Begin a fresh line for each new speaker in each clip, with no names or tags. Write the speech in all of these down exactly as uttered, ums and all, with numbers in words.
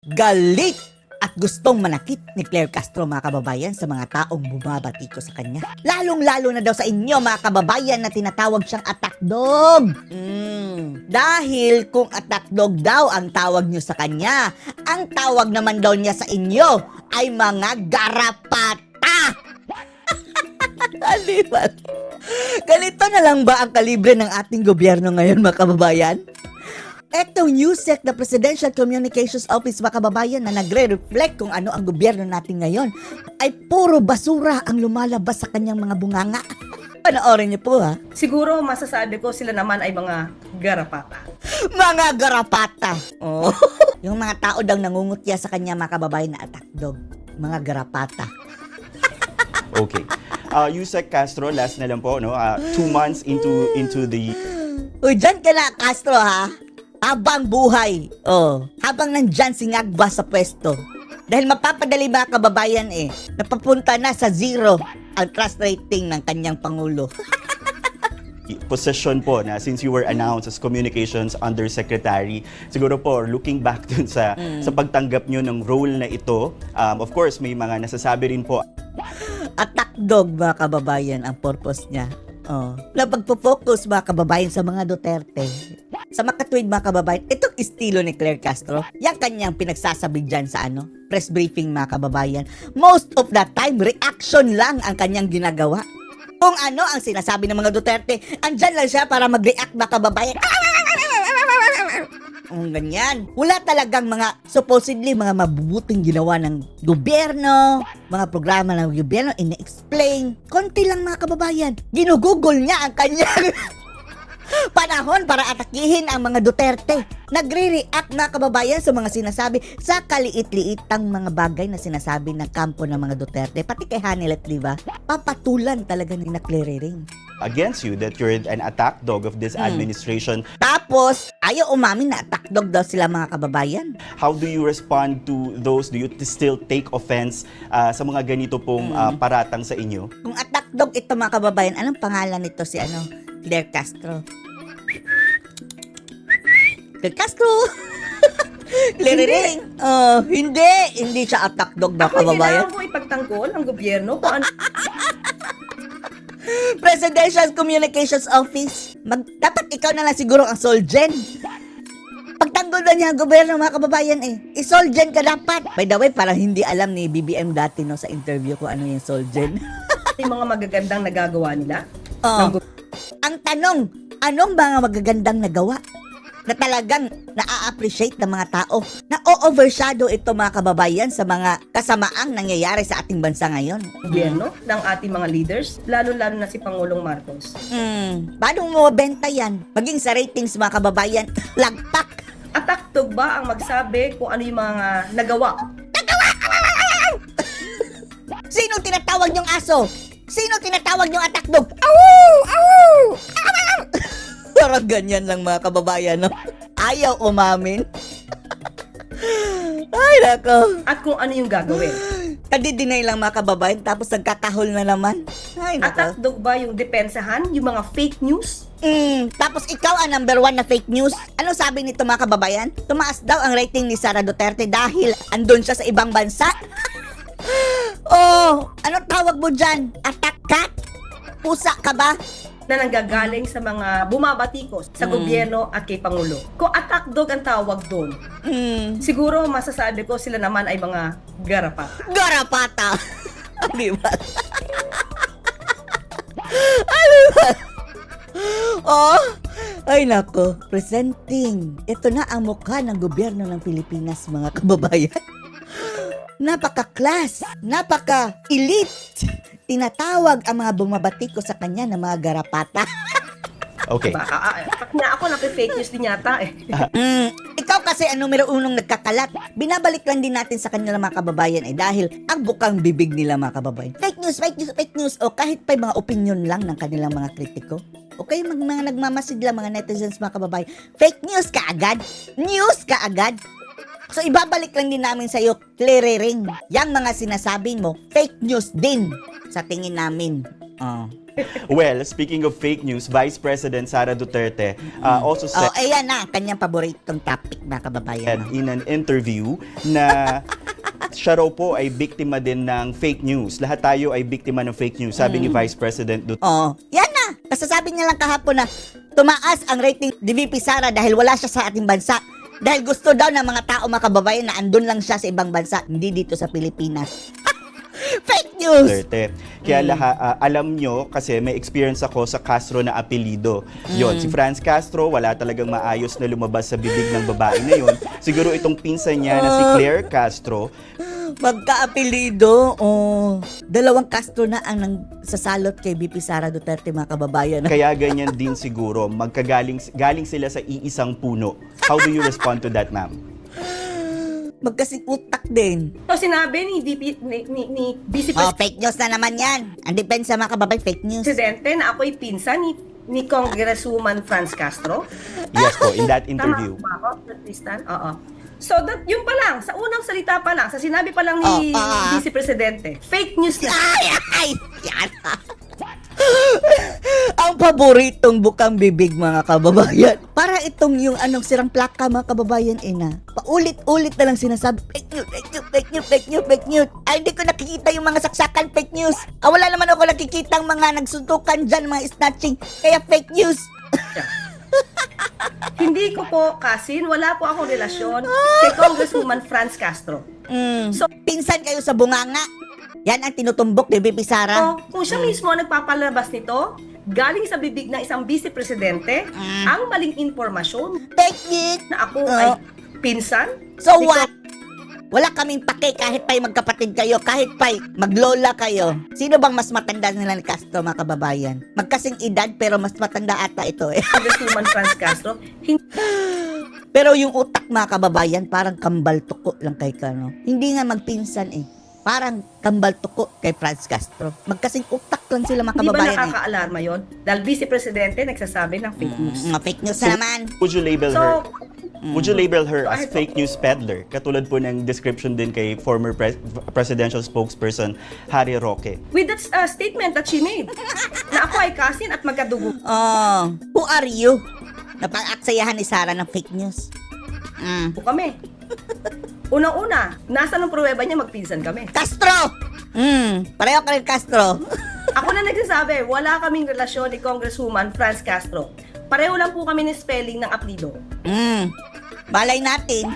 galit at gustong manakit ni Claire Castro, mga kababayan, sa mga taong bumabati ko sa kanya. Lalong-lalo na daw sa inyo, mga kababayan, na tinatawag siyang attack dog. Mm, dahil kung attack dog daw ang tawag nyo sa kanya, ang tawag naman daw niya sa inyo ay mga garapata. Aliwan. Ganito na lang ba ang kalibre ng ating gobyerno ngayon, mga kababayan? Etong USEC na Presidential Communications Office, mga kababayan, na nagre-reflect kung ano ang gobyerno natin ngayon, ay puro basura ang lumalabas sa kanyang mga bunganga. Panoorin niyo po, ha?
Siguro masasabi ko sila naman ay mga garapata.
Mga garapata. Oh. Yung mga tao daw nangungutya sa kanya, mga kababayan, na attack dog. Mga garapata.
Okay. Uh, Yusek Castro, last na lang po, no? Uh, two months into into the...
Uy, dyan ka na, Castro, ha? Habang buhay. Oh. Habang nandyan si Ngagba sa pwesto. Dahil mapapadali, mga kababayan, eh. Napapunta na sa zero ang trust rating ng kanyang Pangulo.
position po na since you were announced as Communications Undersecretary, siguro po looking back dun sa
Mm.
sa pagtanggap nyo ng role na ito, um, of course may mga nasasabi rin po.
Attack dog, mga kababayan, ang purpose niya. Oh. Na pagpo-focus, mga kababayan, sa mga Duterte. Sa makatwid, mga kababayan, itong estilo ni Claire Castro, yung kanyang pinagsasabi dyan sa ano, press briefing, mga kababayan. Most of the time, reaction lang ang kanyang ginagawa. Kung ano ang sinasabi ng mga Duterte, andyan lang siya para mag-react, mga kababayan. Ang ganyan. Wala talagang mga supposedly mga mabubuting ginawa ng gobyerno, mga programa ng gobyerno, ina-explain. Konti lang, mga kababayan. Ginugugol niya ang kanyang panahon para atakihin ang mga Duterte. Nagre-react, mga kababayan, sa mga sinasabi, sa kaliit-liitang mga bagay na sinasabi ng kampo ng mga Duterte. Pati kay Hanilet, di ba? Papatulan talaga ni Claire Ring.
Against you that you're an attack dog of this
Mm.
administration.
Tapos, ayaw umamin na attack dog daw sila, mga kababayan.
How do you respond to those? Do you t- still take offense uh, sa mga ganito pong uh,
Mm.
paratang sa inyo?
Kung attack dog ito, mga kababayan, anong pangalan nito si ano? Claire Castro. Claire Castro! Claire
Hindi.
Ring! Oh, hindi! Hindi siya attack dog, mga
Ako
kababayan.
kailangan ko ipagtanggol ang gobyerno kung ano
Presidential Communications Office. Mag, dapat ikaw na lang siguro ang Solgen. Pagtanggol na niya ang gobyerno, mga kababayan, eh. I-Solgen ka dapat. By the way, parang hindi alam ni B B M dati, no, sa interview kung ano yung Solgen.
yung mga magagandang nagagawa nila.
Oh.
ng gobyerno.
Ang tanong, anong mga magagandang nagawa na talagang na-appreciate ng mga tao, na o-overshadow ito, mga kababayan, sa mga kasamaang nangyayari sa ating bansa ngayon?
gobyerno ng ating mga leaders, lalo-lalo na si Pangulong Marcos.
Hmm, paano mo mabenta yan? Maging sa ratings, mga kababayan, lagpak.
Attack dog ba ang magsabi kung ano yung mga nagawa?
Sino tinatawag yung aso? Sino tinatawag yung attack dog? Awu! Awu! Awu! Parang ganyan lang, mga kababayan, no? Ayaw umamin. Ay, nako.
At kung ano yung gagawin?
Kadidinay lang, mga kababayan, tapos nagkakahol na naman. Ay,
Attack
nako.
dog ba yung depensahan, yung mga fake news?
Mm, tapos ikaw ang number one na fake news. Ano sabi nito, mga kababayan? Tumaas daw ang rating ni Sara Duterte dahil andun siya sa ibang bansa. Oh, ano tawag mo dyan? Attack cat? Pusa ka ba?
Na nanggagaling sa mga bumabatikos sa
Mm.
gobyerno at kay Pangulo. Kung attack dog ang tawag doon,
Hmm,
siguro masasabi ko sila naman ay mga garapata.
garapata. Di ba? Di ba? Oh, ay nako, presenting. Ito na ang mukha ng gobyerno ng Pilipinas, mga kababayan. Napaka-class, napaka-elite. Tinatawag ang mga bumabatiko sa kanya ng mga garapata.
Okay.
Diba? Ah, ah, pag na ako nape-fake news din yata eh.
Mm, ikaw kasi ang numero unong nagkakalat. Binabalik lang din natin sa kanila, mga kababayan, eh, dahil ang bukang bibig nila, mga kababayan. Fake news, fake news, fake news. O kahit pa yung mga opinion lang ng kanilang mga kritiko. O kayo mag, mga nagmamasid lang, mga netizens, mga kababayan. Fake news ka agad. News ka agad. So ibabalik lang din namin sa iyo, Claire Ring. Yang mga sinasabi mo, fake news din sa tingin namin. Oh.
Well, speaking of fake news, Vice President Sara Duterte uh, also
Oh,
said
ayan na, ang kanyang paboritong topic, mga kababayan.
in an interview na siya raw po ay biktima din ng fake news. Lahat tayo ay biktima ng fake news, sabi ni Vice President Duterte.
Oh, yan na. Kasasabi niya lang kahapon na tumaas ang rating ni V P Sara dahil wala siya sa ating bansa. Dahil gusto daw ng mga tao, mga kababayan, na andun lang siya sa ibang bansa, hindi dito sa Pilipinas. Fake news!
Duterte. Kaya laha, ah, alam nyo, kasi may experience ako sa Castro na apelido. Yon, si Franz Castro, wala talagang maayos na lumabas sa bibig ng babae na yun. Siguro itong pinsan niya na si Claire Castro,
Magka-apelido, oh. Dalawang Castro na ang nang sasalot kay V P Sara Duterte, mga kababayan.
kaya ganyan din siguro. Magkagaling galing sila sa iisang puno. How do you respond to that, ma'am?
Magkasing utak din.
So sinabi ni V P ni, ni, ni Vice
Oh, fake news na naman yan. Ang depensa, mga kababayan, fake news.
Presidente na ako'y pinsan ni, ni Congresswoman Franz Castro.
Yes po, in that interview.
Tama ba ako, Tristan? Oo. So, that, yun pa lang, sa unang salita pa lang, sa sinabi pa lang ni
Oh, ah.
Vice Presidente, fake news na.
Ay, ay, yan. Ang paboritong bukang bibig, mga kababayan. Para itong yung anong sirang plaka, mga kababayan, ina. Paulit-ulit na lang sinasabi, fake news, fake news, fake news, fake news, fake news. Ay, hindi ko nakikita yung mga saksakan fake news. Ah, wala naman ako nakikita ang mga nagsuntukan dyan, mga snatching. Kaya fake news.
Hindi ko po, Kasin, wala po akong relasyon kay Congresswoman Franz Castro.
Mm.
So-
Pinsan kayo sa bunganga. Yan ang tinutumbok ni V P Sara.
Oh, kung siya mismo ang nagpapalabas nito, galing sa bibig ng isang vice presidente,
Mm.
ang maling impormasyon
Fake news.
na ako
Oh.
ay pinsan.
So
ni
what? Wala kaming pake kahit pa'y magkapatid kayo, kahit pa'y maglola kayo. Sino bang mas matanda nila ni Castro, mga kababayan? Magkasing edad pero mas matanda ata ito eh.
Congresswoman Franz Castro. Hindi
Pero yung utak, mga kababayan, parang kambal tuko lang kay Kano. Hindi nga magpinsan eh. Parang kambal tuko kay Franz Castro. Magkasing utak lang sila, mga
Di ba
kababayan eh.
nakaka-alarma yon? Dahil vice presidente nagsasabi ng fake news.
Mga fake news na naman.
Would you label
So,
her? Would you label her
Go
as
ahead po.
fake news peddler? Katulad po ng description din kay former pres- presidential spokesperson Harry Roque.
with that uh, statement that she made, na ako ay kasin at magkadugo
Oh, who are you? Napag-aksayahan ni Sara ng fake news. Mm.
po kami. Unang-una, nasa ng pruweba niya magpinsan kami.
Castro! Mm, pareho ka rin, Castro.
Ako na nagsasabi, wala kaming relasyon ni Congresswoman Franz Castro. Pareho lang po kami ni spelling ng apelido.
Mm, balay natin.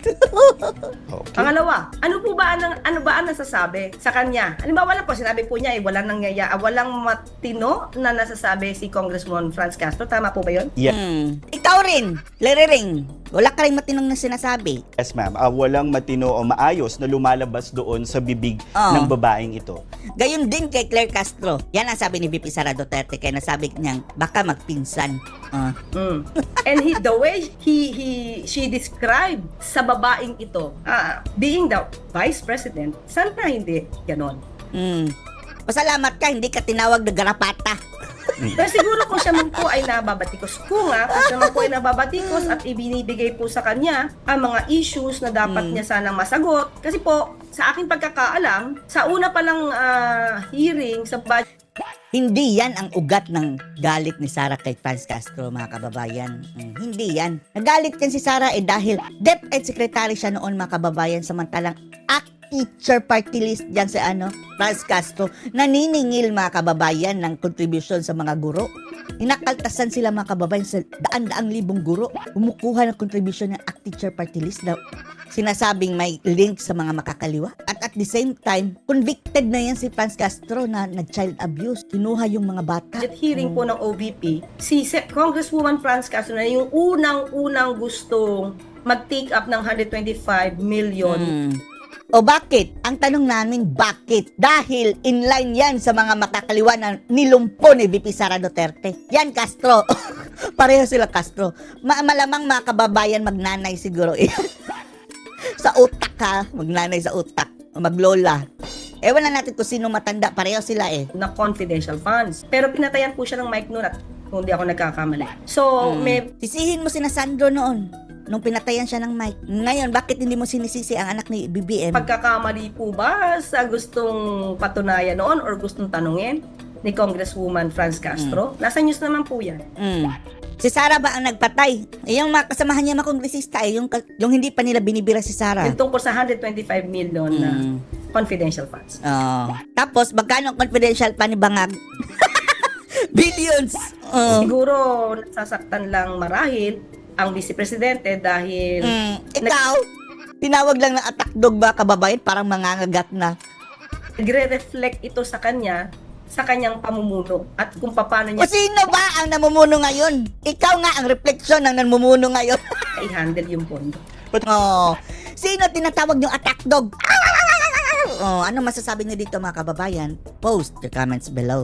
Okay.
Pangalawa, ano po ba ang ano ba ang nasasabi sa kanya? Halimbawa lang po, sinabi po niya eh, walang nangyaya, ah, walang matino na nasasabi si Congresswoman Franz Castro. Tama po ba yun?
Yeah.
Mm. Ikaw rin, Liriring. Wala ka rin matinong na sinasabi.
Yes, ma'am. Ah, walang matino o maayos na lumalabas doon sa bibig
Oh.
ng babaeng ito.
Gayon din kay Claire Castro. Yan ang sabi ni V P Sara Duterte kaya nasabi niyang baka magpinsan. Ah.
Mm. And he, the way he he she described sa babaeng ito, ah, being the vice president, sana hindi ganon.
Mm. Pasalamat ka, hindi ka tinawag na garapata.
Pero siguro kung siya man po ay nababatikos ko nga, kung siya man po ay nababatikos at ibinibigay po sa kanya ang mga issues na dapat
Mm.
niya sanang masagot. Kasi po, sa aking pagkakaalam, sa una pa lang ah, hearing sa budget
Hindi yan ang ugat ng galit ni Sara kay Franz Castro, mga kababayan. Mm, hindi yan. Nagalit yan si Sara eh dahil DepEd Secretary siya noon, mga kababayan, samantalang act teacher party list dyan sa ano, Franz Castro, naniningil, mga kababayan, ng contribution sa mga guro. Inakaltasan sila, mga kababayan, sa daan-daang libong guro. Umukuha ng contribution ng act teacher party list na sinasabing may link sa mga makakaliwa. At at the same time, convicted na yan si Franz Castro na nag-child abuse. Kinuha yung mga bata.
hearing po ng O V P, si Se- Congresswoman Franz Castro na yung unang-unang gustong mag-take up ng one hundred twenty-five million.
Mm. O bakit? Ang tanong namin, bakit? Dahil inline yan sa mga makakaliwa na nilumpo ni V P Sara Duterte. Yan, Castro. Pareho sila, Castro. Ma- malamang mga kababayan magnanay siguro eh. Sa utak ha, magnanay sa utak. O maglola. Ewan na natin kung sino matanda. Pareho sila eh.
Na confidential funds. Pero pinatayan po siya ng mic noon at kung di ako nagkakamali. So,
Mm.
may
Sisihin mo sina Sandro noon nung pinatayan siya ng mic. Ngayon, bakit hindi mo sinisisi ang anak ni B B M?
pagkakamali po ba sa gustong patunayan noon or gustong tanungin? ni Congresswoman Franz Castro. Nasa news naman po yan.
Mm. Si Sara ba ang nagpatay? Eh, yung mga kasamahan niya mga kongresista, eh, yung, ka- yung hindi pa nila binibira si Sara.
Yung tungkol sa one hundred twenty-five million na
Mm.
confidential funds.
Oh. Tapos, magkano ang confidential pa ni Bangag? Billions! Oh.
Siguro nasasaktan lang marahil ang Vice Presidente dahil
Mm. Ikaw, tinawag lang ng attack dog ba kababayan? Parang mangangagat na.
nagre-reflect ito sa kanya sa kanyang pamumuno at kung paano
O
niya
sino ba ang namumuno ngayon? Ikaw nga ang refleksyon ng namumuno ngayon.
i-handle yung pondo.
Oh. Sino tinatawag yung attack dog? Oh, ano masasabi niyo dito mga kababayan? Post your comments below.